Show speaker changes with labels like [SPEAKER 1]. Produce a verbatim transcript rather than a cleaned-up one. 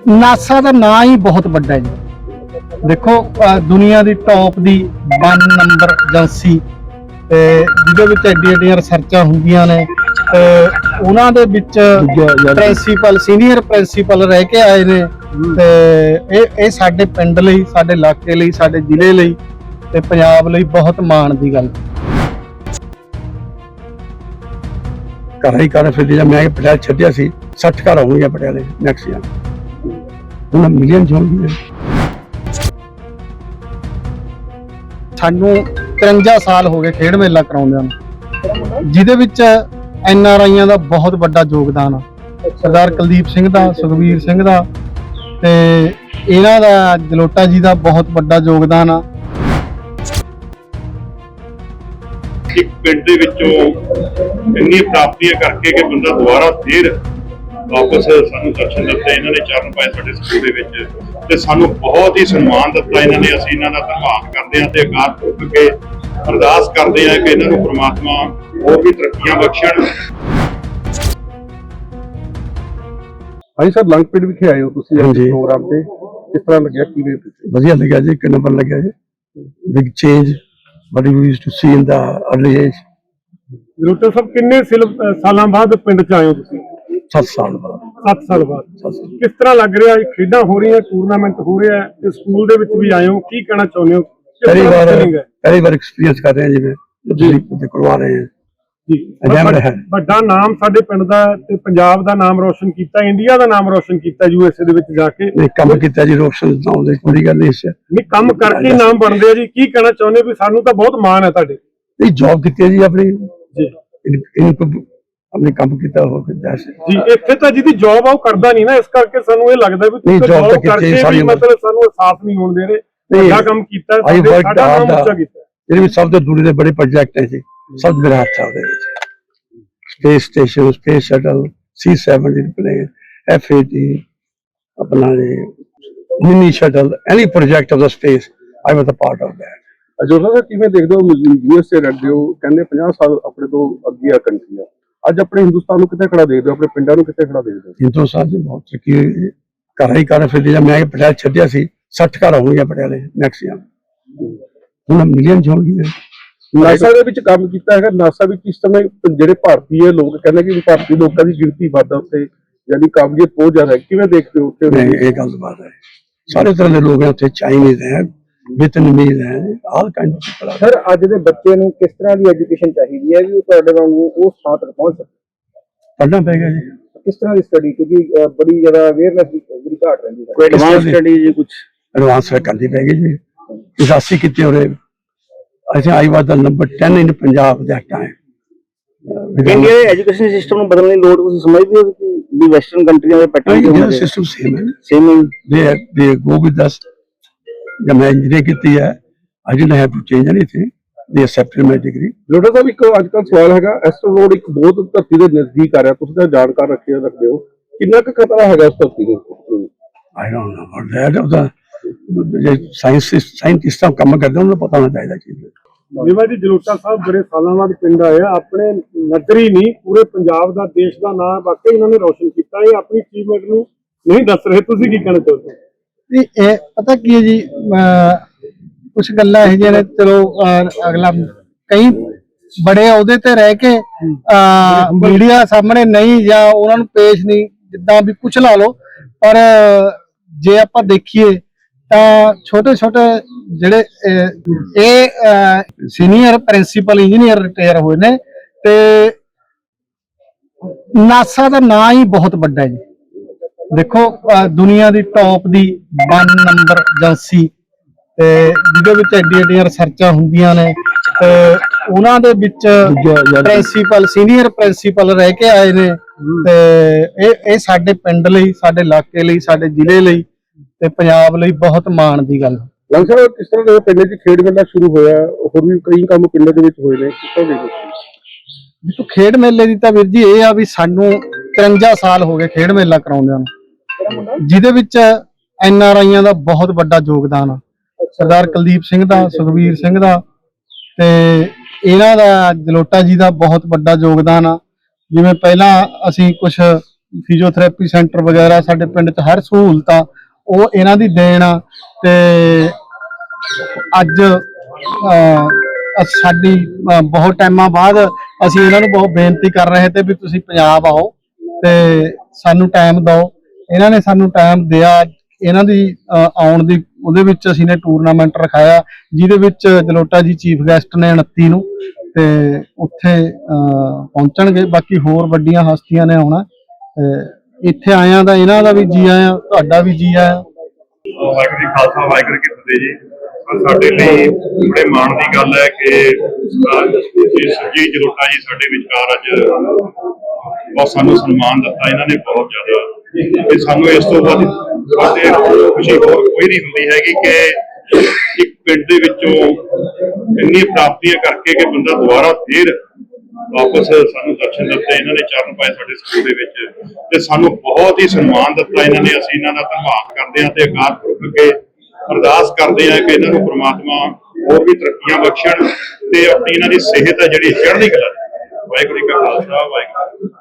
[SPEAKER 1] NASA ਦਾ ਨਾਂ ਹੀ ਬਹੁਤ ਵੱਡਾ ਹੈ ਜੀ। ਦੇਖੋ ਦੁਨੀਆ ਦੀ ਟੌਪ ਦੀ वन ਨੰਬਰ ਏਜੰਸੀ ਤੇ ਜਿਹਦੇ ਵਿੱਚ ਐਡੀ ਐਡੀਆਂ ਰਿਸਰਚਾਂ ਹੁੰਦੀਆਂ ਨੇ ਤੇ ਉਹਨਾਂ ਦੇ ਵਿੱਚ ਪ੍ਰਿੰਸੀਪਲ ਸੀਨੀਅਰ ਪ੍ਰਿੰਸੀਪਲ ਰਹਿ ਕੇ ਆਏ ਨੇ ਤੇ ਇਹ ਇਹ ਸਾਡੇ ਪਿੰਡ ਲਈ, ਸਾਡੇ ਇਲਾਕੇ ਲਈ, ਸਾਡੇ ਜ਼ਿਲ੍ਹੇ ਲਈ ਤੇ ਪੰਜਾਬ ਲਈ ਬਹੁਤ ਮਾਣ ਦੀ ਗੱਲ।
[SPEAKER 2] ਘਰ ਹੀ ਘਰ ਫਿਰ ਜਦ ਮੈਂ ਪਟਿਆਲੇ ਛੱਡਿਆ ਸੀ ਸੱਠ ਘਰ ਹੋਣਗੇ ਪਟਿਆਲੇ ਨੈਕਸਟ ਈਅਰ ਉਹਨਾਂ ਮਿਲੀਅਨ ਹੋਣਗੇ।
[SPEAKER 1] ਸਾਨੂੰ तिरंजा ਸਾਲ ਹੋ ਗਏ ਖੇਡ ਮੇਲਾ ਕਰਾਉਂਦਿਆਂ ਨੂੰ, ਜਿਹਦੇ ਵਿੱਚ ਐਨ ਆਰ ਆਈਆਂ ਦਾ ਬਹੁਤ ਵੱਡਾ ਯੋਗਦਾਨ ਆ। ਸਰਦਾਰ ਕੁਲਦੀਪ ਸਿੰਘ ਦਾ, ਸੁਖਬੀਰ ਸਿੰਘ ਦਾ ਤੇ ਇਹਨਾਂ ਦਾ, ਜਲੋਟਾ ਜੀ ਦਾ ਬਹੁਤ ਵੱਡਾ ਯੋਗਦਾਨ ਆ।
[SPEAKER 3] ਇੱਕ ਪਿੰਡ ਦੇ ਵਿੱਚੋਂ ਇੰਨੀ ਪ੍ਰਾਪਤੀਆਂ ਕਰਕੇ ਕਿ ਬੰਦਾ ਦੁਬਾਰਾ ਫੇਰ ਵਾਪਸ ਸਾਨੂੰ ਦਰਸ਼ਨ ਦਿੱਤੇ, ਇਹਨਾਂ ਨੇ ਚਰਨ ਪਾਏ ਸਾਡੇ ਸਕੂਲ ਦੇ ਵਿੱਚ ਤੇ ਸਾਨੂੰ ਬਹੁਤ ਹੀ ਸਨਮਾਨ ਦਿੱਤਾ ਇਹਨਾਂ ਨੇ। ਅਸੀਂ ਇਹਨਾਂ ਦਾ ਧੰਨਵਾਦ ਕਰਦੇ ਹਾਂ ਤੇ ਅਕਾਲ ਪੁਰਖ ਅੱਗੇ ਅਰਦਾਸ ਕਰਦੇ ਹਾਂ ਕਿ ਇਹਨਾਂ ਨੂੰ ਪ੍ਰਮਾਤਮਾ ਹੋਰ ਵੀ ਤਰੱਕੀਆਂ ਬਖਸ਼ਣ।
[SPEAKER 4] ਹਾਂਜੀ ਸਰ, ਲੰਗ ਪਿੰਡ ਵਿਖੇ ਆਏ ਹੋ ਤੁਸੀਂ ਪ੍ਰੋਗਰਾਮ ਤੇ, ਕਿਸ ਤਰ੍ਹਾਂ ਲੱਗਿਆ? ਕਿਵੇਂ?
[SPEAKER 2] ਵਧੀਆ ਲੱਗਿਆ ਜੀ, ਇੱਕ ਨੰਬਰ ਲੱਗਿਆ ਜੀ। Big change what we used to see in the early age।
[SPEAKER 4] Jalota Sahib, ਕਿੰਨੇ ਸਾਲਾਂ ਬਾਅਦ ਪਿੰਡ ਚ ਆਏ ਹੋ ਤੁਸੀਂ?
[SPEAKER 2] ਸੱਤ ਸਾਲ ਬਾਅਦ।
[SPEAKER 4] ਸੱਤ ਸਾਲ ਬਾਅਦ ਕਿਸ ਤਰ੍ਹਾਂ ਲੱਗ ਰਿਹਾ? ਖੇਡਾਂ ਹੋ ਰਹੀਆਂ, ਟੂਰਨਾਮੈਂਟ ਹੋ ਰਿਹਾ ਤੇ ਸਕੂਲ ਦੇ ਵਿੱਚ ਵੀ ਆਏ ਹੋ, ਕੀ ਕਹਿਣਾ ਚਾਹੁੰਦੇ ਹੋ?
[SPEAKER 2] ਪਹਿਲੀ ਵਾਰ ਪਹਿਲੀ ਵਾਰ ਐਕਸਪੀਰੀਅੰਸ ਕਰ ਰਹੇ ਹਾਂ ਜਿਵੇਂ ਤੁਸੀਂ ਕਰਵਾ ਰਹੇ ਹਾਂ ਜੀ।
[SPEAKER 4] ਵੱਡਾ ਨਾਮ ਸਾਡੇ ਪਿੰਡ ਦਾ ਤੇ ਪੰਜਾਬ ਦਾ ਨਾਮ ਰੋਸ਼ਨ ਕੀਤਾ, ਇੰਡੀਆ ਦਾ ਨਾਮ ਰੋਸ਼ਨ ਕੀਤਾ ਯੂ ਐਸ ਏ ਦੇ ਵਿੱਚ ਜਾ ਕੇ।
[SPEAKER 2] ਨਹੀਂ, ਕੰਮ ਕੀਤਾ ਜੀ, ਰੋਸ਼ਨ ਨਾਮ ਦੀ ਕੋਈ ਗੱਲ ਨਹੀਂ ਸੀ।
[SPEAKER 4] ਨਹੀਂ, ਕੰਮ ਕਰਕੇ ਨਾਮ ਬਣਦੇ ਆ ਜੀ। ਕੀ ਕਹਿਣਾ ਚਾਹੁੰਦੇ ਵੀ ਸਾਨੂੰ ਤਾਂ ਬਹੁਤ ਮਾਣ ਹੈ ਤੁਹਾਡੇ?
[SPEAKER 2] ਨਹੀਂ, ਜੌਬ ਕੀਤੀ ਹੈ ਜੀ ਆਪਣੀ ਜੀ, ਆਪਣੇ ਕੰਮ ਕੀਤਾ ਹੋ
[SPEAKER 4] ਜੀ। ਇੱਥੇ ਤਾਂ ਜਿਹਦੀ ਜੌਬ ਆ ਉਹ ਕਰਦਾ ਨਹੀਂ ਨਾ, ਇਸ ਕਰਕੇ ਸਾਨੂੰ ਇਹ ਲੱਗਦਾ ਵੀ ਤੁਸੀਂ ਜੌਬ ਕਰਕੇ ਵੀ ਮਤਲਬ ਸਾਨੂੰ ਅਹਿਸਾਸ ਨਹੀਂ ਹੋਣ ਦੇ ਰਹੇ। ਵੱਡਾ ਕੰਮ ਕੀਤਾ, ਸਾਡਾ ਨਾਮ ਉੱਚਾ ਕੀਤਾ।
[SPEAKER 2] ਇਹਦੇ ਵਿੱਚ ਸਭ ਤੋਂ ਦੂਰੀ ਦੇ ਬੜੇ ਪ੍ਰੋਜੈਕਟ ਹੈ ਜੀ, ਸਭ ਮੇਰਾ ਹੱਥ ਆ ਉਹਦੇ ਵਿੱਚ। Space station, space shuttle, C seventeen plane, F eighty, ਆਪਣਾ mini shuttle, any project of the space I was a part of that.
[SPEAKER 4] Jora Sahib, ਕਿਵੇਂ ਦੇਖਦੇ ਹੋ? ਯੂ ਐਸ ਏ ਰਹਿੰਦੇ ਹੋ, ਕਹਿੰਦੇ ਪੰਜਾਹ ਸਾਲ ਆਪਣੇ ਤੋਂ ਅੱਗੇ ਆ ਕੰਟਰੀ ਆ, ਅੱਜ ਆਪਣੇ ਹਿੰਦੁਸਤਾਨ ਨੂੰ ਕਿੱਥੇ ਖੜਾ ਦੇਖਦੇ ਹੋ? ਆਪਣੇ ਪਿੰਡਾਂ ਨੂੰ ਕਿੱਥੇ ਖੜਾ ਦੇਖਦੇ ਹੋ?
[SPEAKER 2] ਹਿੰਦੁਸਤਾਨ ਚ ਬਹੁਤ ਤਰੱਕੀ ਹੋਈ। ਘਰ ਹੀ ਘਰ ਫਿਰ ਜਦ ਮੈਂ ਪਟਿਆਲੇ ਛੱਡਿਆ ਸੀ ਸੱਠ ਘਰ ਹੋਣਗੇ ਪਟਿਆਲੇ ਨੈਕਸਟ ਈਅਰ ਹੁਣ ਮਿਲੀਅਨ ਹੋਣਗੇ।
[SPEAKER 4] ਨਾਸਾ ਦੇ ਵਿੱਚ ਕੰਮ ਕੀਤਾ ਹੈਗਾ। ਨਾਸਾ ਵਿੱਚ ਇਸ ਸਮੇਂ ਜਿਹੜੇ ਭਾਰਤੀ ਹੈ ਲੋਕ ਕਹਿੰਦੇ ਕਿ ਭਾਰਤੀ ਲੋਕਾਂ ਦੀ ਗਿਣਤੀ ਵੱਧ ਉੱਥੇ, ਯਾਨੀ ਕਾਬਲੀਅਤ ਬਹੁਤ ਜ਼ਿਆਦਾ ਹੈ। ਕਿਵੇਂ ਦੇਖਦੇ ਹੋ ਉੱਥੇ?
[SPEAKER 2] ਇਹ ਗੱਲ ਬਾਤ ਹੈ, ਸਾਰੇ ਤਰ੍ਹਾਂ ਦੇ ਲੋਕ ਹੈ ਉੱਥੇ, ਚਾਈਨੀਜ਼ ਹੈ, ਵਿetnamese ਹੈ, all kind of people.
[SPEAKER 4] Sir, ਅੱਜ ਦੇ ਬੱਚੇ ਨੂੰ ਕਿਸ ਤਰ੍ਹਾਂ ਦੀ ਐਜੂਕੇਸ਼ਨ ਚਾਹੀਦੀ ਹੈ ਵੀ ਉਹ ਤੁਹਾਡੇ ਵਾਂਗੂ ਉਸ ਥਾਂ ਤੱਕ ਪਹੁੰਚ ਸਕੇ?
[SPEAKER 2] ਪੜ੍ਹਨਾ ਪਏਗਾ ਜੀ।
[SPEAKER 4] ਕਿਸ ਤਰ੍ਹਾਂ ਦੀ ਸਟੱਡੀ? ਕਿਉਂਕਿ ਬੜੀ ਜ਼ਿਆਦਾ ਅਵੇਅਰਨੈਸ ਦੀ ਜਿਹੜੀ ਘਾਟ ਰਹਿੰਦੀ ਹੈ।
[SPEAKER 2] ਕੋਈ ਐਡਵਾਂਸ ਸਟੱਡੀ ਜੀ, ਕੁਝ ਐਡਵਾਂਸ ਕਰਨੀ ਪਏਗੀ ਜੀ। ਇਸਾਸੀ ਕਿਤੇ ਹੋ ਰਹੇ, ਅਸੀਂ ਆਈ ਵਾਸ ਦਾ ਨੰਬਰ ਦਸ in Punjab that time.
[SPEAKER 5] India ਦੇ ਐਜੂਕੇਸ਼ਨ ਸਿਸਟਮ ਨੂੰ ਬਦਲਣ ਦੀ ਲੋੜ ਤੁਸੀਂ ਸਮਝਦੇ ਹੋ ਕਿ ਵੀ ਵੈਸਟਰਨ ਕੰਟਰੀਆਂ ਦੇ ਪੈਟਰਨ
[SPEAKER 2] ਦੇ ਸਿਸਟਮ ਸੇਮ ਹੈ?
[SPEAKER 5] ਸੇਮ ਹੈ।
[SPEAKER 2] ਦੇ ਦੇ ਗੋ ਵਿਦ ਅਸ। ਜਦ ਮੈਂ ਇੰਜੀਨੀਅਰ ਕੀਤੀ ਹੈ, I didn't have to change anything, they accepted my degree.
[SPEAKER 4] Jora Sahib, ਇੱਕ ਅੱਜ ਕੱਲ੍ਹ ਸਵਾਲ ਹੈਗਾ, ਐਸਟਰੋਇਡ ਇੱਕ ਬਹੁਤ ਧਰਤੀ ਦੇ ਨਜ਼ਦੀਕ ਆ ਰਿਹਾ, ਤੁਸੀਂ ਤਾਂ ਜਾਣਕਾਰ ਰੱਖੇ ਰੱਖਦੇ ਹੋ, ਕਿੰਨਾ ਕੁ ਖਤਰਾ ਹੈਗਾ ਉਸ ਧਰਤੀ ਨੂੰ?
[SPEAKER 2] I don't know about that. Of the scientist ਸਾਇੰਟਿਸਟਾਂ ਕੰਮ ਕਰਦੇ ਉਹਨਾਂ ਨੂੰ ਪਤਾ ਹੋਣਾ ਚਾਹੀਦਾ ਚੀਜ਼।
[SPEAKER 4] ਜਿਵੇਂ ਜੀ ਜਲੋਟਾ ਸਾਹਿਬ ਬੜੇ ਸਾਲਾਂ ਬਾਅਦ ਪਿੰਡ ਆਏ, ਆਪਣੇ ਨਜ਼ਰ ਹੀ ਨਹੀਂ ਪੂਰੇ ਪੰਜਾਬ ਦਾ, ਦੇਸ਼ ਦਾ ਨਾਮ ਵਾਕਈ ਇਹਨਾਂ ਨੇ ਰੋਸ਼ਨ ਕੀਤਾ। ਇਹ ਆਪਣੀ ਅਚੀਵਮੈਂਟ ਨੂੰ ਨਹੀਂ ਦੱਸ ਰਹੇ, ਤੁਸੀਂ ਕੀ ਕਹਿਣਾ ਚਾਹੁੰਦੇ?
[SPEAKER 1] ਇਹ ਪਤਾ ਕੀ ਹੈ ਜੀ, ਕੁਛ ਗੱਲਾਂ ਇਹੋ ਜਿਹੀਆਂ ਨੇ, ਚਲੋ ਅਗਲਾ ਕਈ ਬੜੇ ਅਹੁਦੇ ਤੇ ਰਹਿ ਕੇ ਮੀਡੀਆ ਸਾਹਮਣੇ ਨਹੀਂ ਜਾਂ ਉਹਨਾਂ ਨੂੰ ਪੇਸ਼ ਨਹੀਂ, ਜਿੱਦਾਂ ਵੀ ਕੁਛ ਲਾ ਲਓ, ਪਰ ਜੇ ਆਪਾਂ ਦੇਖੀਏ ਤਾਂ ਛੋਟੇ ਛੋਟੇ ਜਿਹੜੇ ਇਹ ਸੀਨੀਅਰ ਪ੍ਰਿੰਸੀਪਲ ਇੰਜੀਨੀਅਰ ਰਿਟਾਇਰ ਹੋਏ ਨੇ ਤੇ ਨਾਸਾ ਦਾ ਨਾਂ ਹੀ ਬਹੁਤ ਵੱਡਾ ਹੈ ਜੀ। ਦੇਖੋ ਦੁਨੀਆ ਦੀ ਟੌਪ ਦੀ वन ਨੰਬਰ ਏਜੰਸੀ ਤੇ ਜਿਹਦੇ ਵਿੱਚ ਐਡੀ ਐਡੀਆਂ ਰਿਸਰਚਾਂ ਹੁੰਦੀਆਂ ਨੇ ਤੇ ਉਹਨਾਂ ਦੇ ਵਿੱਚ ਪ੍ਰਿੰਸੀਪਲ ਸੀਨੀਅਰ ਪ੍ਰਿੰਸੀਪਲ ਰਹਿ ਕੇ ਆਏ ਨੇ ਤੇ ਇਹ ਇਹ ਸਾਡੇ ਪਿੰਡ ਲਈ, ਸਾਡੇ ਇਲਾਕੇ ਲਈ, ਸਾਡੇ ਜ਼ਿਲ੍ਹੇ ਲਈ ਤੇ ਪੰਜਾਬ ਲਈ ਬਹੁਤ ਮਾਣ ਦੀ ਗੱਲ।
[SPEAKER 4] ਲੰਗ ਸਾਹਿਬ, ਕਿਸ ਤਰ੍ਹਾਂ ਦੇ ਪਿੰਡ 'ਚ ਖੇਡ ਮੇਲਾ ਸ਼ੁਰੂ ਹੋਇਆ, ਹੋਰ ਵੀ ਕਈ ਕੰਮ ਪਿੰਡਾਂ ਦੇ ਵਿੱਚ ਹੋਏ ਨੇ, ਕਿਸ ਤਰ੍ਹਾਂ ਦੇ?
[SPEAKER 1] ਦੇਖੋ, ਖੇਡ ਮੇਲੇ ਦੀ ਤਾਂ ਵੀਰ ਜੀ ਇਹ ਆ ਵੀ ਸਾਨੂੰ तिरंजा ਸਾਲ ਹੋ ਗਏ ਖੇਡ ਮੇਲਾ ਕਰਾਉਂਦਿਆਂ ਨੂੰ, ਜਿਹਦੇ ਵਿੱਚ ਐਨ ਆਰ ਆਈਆਂ ਦਾ ਬਹੁਤ ਵੱਡਾ ਯੋਗਦਾਨ ਆ। ਸਰਦਾਰ ਕੁਲਦੀਪ ਸਿੰਘ ਦਾ, ਸੁਖਬੀਰ ਸਿੰਘ ਦਾ ਤੇ ਇਹਨਾਂ ਦਾ, ਜਲੋਟਾ ਜੀ ਦਾ ਬਹੁਤ ਵੱਡਾ ਯੋਗਦਾਨ ਆ। ਜਿਵੇਂ ਪਹਿਲਾਂ ਅਸੀਂ ਕੁਝ ਫਿਜ਼ੀਓਥੈਰੇਪੀ ਸੈਂਟਰ ਵਗੈਰਾ ਸਾਡੇ ਪਿੰਡ 'ਚ ਹਰ ਸਹੂਲਤ ਆ ਉਹ ਇਹਨਾਂ ਦੀ ਦੇਣ ਆ। ਤੇ ਅੱਜ ਅਹ, ਅ- ਸਾਡੀ ਅਹ, ਬਹੁਤ ਟਾਈਮਾਂ ਬਾਅਦ ਅਸੀਂ ਇਹਨਾਂ ਨੂੰ ਬਹੁਤ ਬੇਨਤੀ ਕਰ ਰਹੇ ਤੇ ਵੀ ਤੁਸੀਂ ਪੰਜਾਬ ਆਓ ਤੇ ਸਾਨੂੰ ਟਾਈਮ ਦਿਓ। ਇਹਨਾਂ ਨੇ ਸਾਨੂੰ ਟਾਈਮ ਦਿਆ। ਇਹਨਾਂ ਦੀ ਅਹ, ਆਉਣ ਦੀ ਉਹਦੇ ਵਿੱਚ ਅਸੀਂ ਨੇ ਟੂਰਨਾਮੈਂਟ ਰਖਾਇਆ ਜਿਹਦੇ ਵਿੱਚ ਜਲੋਟਾ ਜੀ ਚੀਫ ਗੈਸਟ ਨੇ ਉਨੱਤੀ ਨੂੰ ਤੇ ਉੱਥੇ ਅਹ, ਪਹੁੰਚਣਗੇ। ਬਾਕੀ ਹੋਰ ਵੱਡੀਆਂ ਹਸਤੀਆਂ ਨੇ ਆਉਣਾ। ਤੇ ਇੱਥੇ ਆਇਆਂ ਦਾ ਇਹਨਾਂ ਦਾ ਵੀ ਜੀ ਆਇਆਂ, ਤੁਹਾਡਾ ਵੀ ਜੀ ਆਇਆਂ।
[SPEAKER 3] ਵਾਹਿਗੁਰੂ ਜੀ ਖਾਲਸਾ ਵਾਹਿਗੁਰੂ ਜੀ ਕੀ ਫਤਿਹ ਜੀ। ਸਾਡੇ ਲਈ ਬੜੇ ਮਾਣ ਦੀ ਗੱਲ ਹੈ ਕਿ ਜੀ ਜਲੋਟਾ ਜੀ ਸਾਡੇ ਵਿਚਕਾਰ ਅੱਜ ਬਹੁਤ ਸਾਨੂੰ ਸਨਮਾਨ ਦਿੱਤਾ ਇਹਨਾਂ ਨੇ ਬਹੁਤ ਜ਼ਿਆਦਾ। ਤੇ ਸਾਨੂੰ ਇਸ ਤੋਂ ਬਾਅਦ ਸਾਡੇ ਖੁਸ਼ੀ ਹੋਰ ਕੋਈ ਨਹੀਂ ਹੁੰਦੀ ਹੈਗੀ ਕਿ ਇੱਕ ਪਿੰਡ ਦੇ ਵਿੱਚੋਂ ਇੰਨੀ ਪ੍ਰਾਪਤੀਆਂ ਕਰਕੇ ਕਿ ਬੰਦਾ ਦੁਬਾਰਾ ਫੇਰ ਵਾਪਸ ਸਾਨੂੰ ਦਰਸ਼ਨ ਦਿੱਤੇ। ਇਹਨਾਂ ਨੇ ਚਰਨ ਪਾਏ ਸਾਡੇ ਸਕੂਲ ਦੇ ਵਿੱਚ ਤੇ ਸਾਨੂੰ ਬਹੁਤ ਹੀ ਸਨਮਾਨ ਦਿੱਤਾ ਇਹਨਾਂ ਨੇ। ਅਸੀਂ ਇਹਨਾਂ ਦਾ ਧੰਨਵਾਦ ਕਰਦੇ ਹਾਂ ਤੇ ਅਕਾਲ ਪੁਰਖ ਅੱਗੇ ਅਰਦਾਸ ਕਰਦੇ ਹਾਂ ਕਿ ਇਹਨਾਂ ਨੂੰ ਪ੍ਰਮਾਤਮਾ ਹੋਰ ਵੀ ਤਰੱਕੀਆਂ ਬਖਸ਼ਣ ਤੇ ਆਪਣੀ ਇਹਨਾਂ ਦੀ ਸਿਹਤ ਹੈ ਜਿਹੜੀ ਚੜ੍ਹਦੀ ਕਲਾ। ਵਾਹਿਗੁਰੂ ਜੀ ਕਾ ਖਾਲਸਾ ਵਾਹਿਗੁਰੂ।